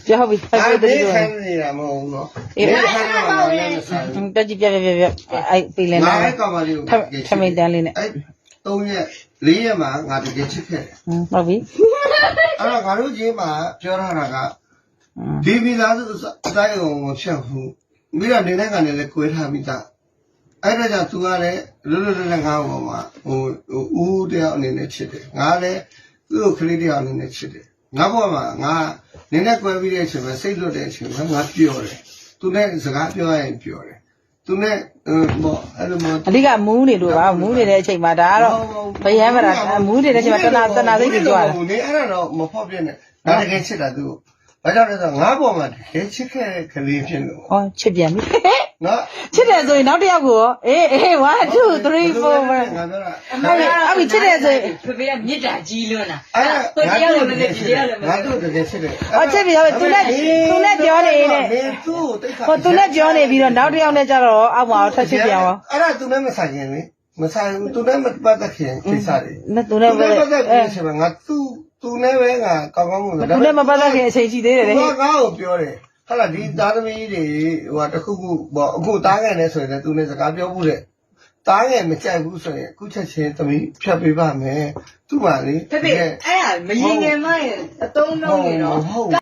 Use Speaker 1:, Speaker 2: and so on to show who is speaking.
Speaker 1: ပြောပြီဖိုက်ဖိုက်တရီတို့
Speaker 2: ခိုင်းနေတာမဟုတ်ဘူးနော်အေးခိုင်းနေတာလည်းဆိုင်
Speaker 1: တက်ကြည့်ပြအဲ့ပေးလဲ
Speaker 2: ငါ
Speaker 1: လား
Speaker 2: အဲ့ကောင်မလေးကို
Speaker 1: ထမိန်တန်းလေးနဲ့
Speaker 2: အဲ့3ရက်4ရက်မှာငါတကယ်ချစ်ခဲ့တယ်
Speaker 1: ဟုတ်ပြီ
Speaker 2: အဲ့တော့ငါတို့ချင်းမှာပြောထားတာကဒီမိသားစုအတိုင်းအောင်မဖြတ်ဘူးပြီးတော့နေတဲ့ကနေလည်းကွဲထားမိသားအဲ့ဒါကြောင့် तू ကလည်းလွတ်လွတ်လပ်လပ်ငါ့ဘောမှာဦးတယောက်အနေနဲ့ချစ်တယ်ငါလည်းသူ့ကိုခလေးတယောက်အနေနဲ့ချစ်တယ်ငါဘောမှာငါနင်းနဲ့ကွဲပြီးတဲ့အချိန်မှာစိတ်လွတ်တဲ့အချိန်မှာငါပျော်တယ်သူနဲ့စကားပြောရရင်ပျော်တယ်သူနဲ့ဘောအဲ့လိုမျိုး
Speaker 1: အဓိကမူးနေလို့ပါမူးနေတဲ့အချိန်မှာဒါကတော့ဗယမ်းမလားမူးနေတဲ့အချိန်မှာတနာစိတ်ကြီးကြွားတယ်
Speaker 2: နေအဲ့ဒါတော့မဖောက်ပြနဲ့ဒါတကယ်ချစ်တာသူဘာကြောင့်လဲဆိုတော့ငါဘောမှာတကယ်ချစ်ခဲ့တဲ့ကလေးဖြစ်လို့
Speaker 1: ဟောချစ်ပြန်ပြီ
Speaker 2: နော်
Speaker 1: ချစ်တယ်ဆိုရင်နောက်တစ်ယောက်ကိုရောအေး1 2 3 4
Speaker 2: ငါပြောတာ
Speaker 1: အဲ့ဒီချစ်တယ်ဆိုရင်
Speaker 3: ဖေဖေကမြစ်တာကြီးလွန်းတာ
Speaker 2: အဲ့
Speaker 3: ကိုတရားလည်းမသိဒီတရားလည်းမ
Speaker 2: ငါ
Speaker 3: သိ
Speaker 2: တို့တကယ်ချစ်တယ်
Speaker 1: အော်ချစ်ပြီဟုတ်ပြီသူနဲ့ပြောနေနဲ့
Speaker 2: မင်းသူ့ကိုတိတ်ခါ
Speaker 1: ဟိုသူနဲ့ပြောနေပြီးတော့နောက်တစ်ယောက်နဲ့ကျတော့အောက်မှာထပ်ချစ်ပြန်ရော
Speaker 2: အဲ့ဒါသူနဲ့မဆိုင်ရင်လေမဆိုင်ဘူးသူနဲ့မပတ်သက်ခင်ကိစ္စတွေ
Speaker 1: နဲ့သူနဲ့ပဲ
Speaker 2: ပတ်သက်ပြီးဆိုတော့ငါသူနဲ့ပဲငါကောင်းကောင်းလို့
Speaker 1: သူနဲ့မပတ်သက်ခင်အချိန်ရှိသေးတယ်လေ
Speaker 2: ငါကိုပြောတယ်ဟာလာဒီသားသမီးတွေဟိုတခုခုပေါ့အခုတားငယ်နေဆိုရင်သူနဲ့စကားပြောမှုတဲ့တားငယ်မကြိုက်ဘူးဆိုရင်အခုချက်ချင်းသမီးဖြတ်ပေးပါမယ်သူ့ပါလေ
Speaker 3: ဖေဖေအဲ့ဒါမရင်ငယ်မရဲ့အတုံးလုံးနေတော့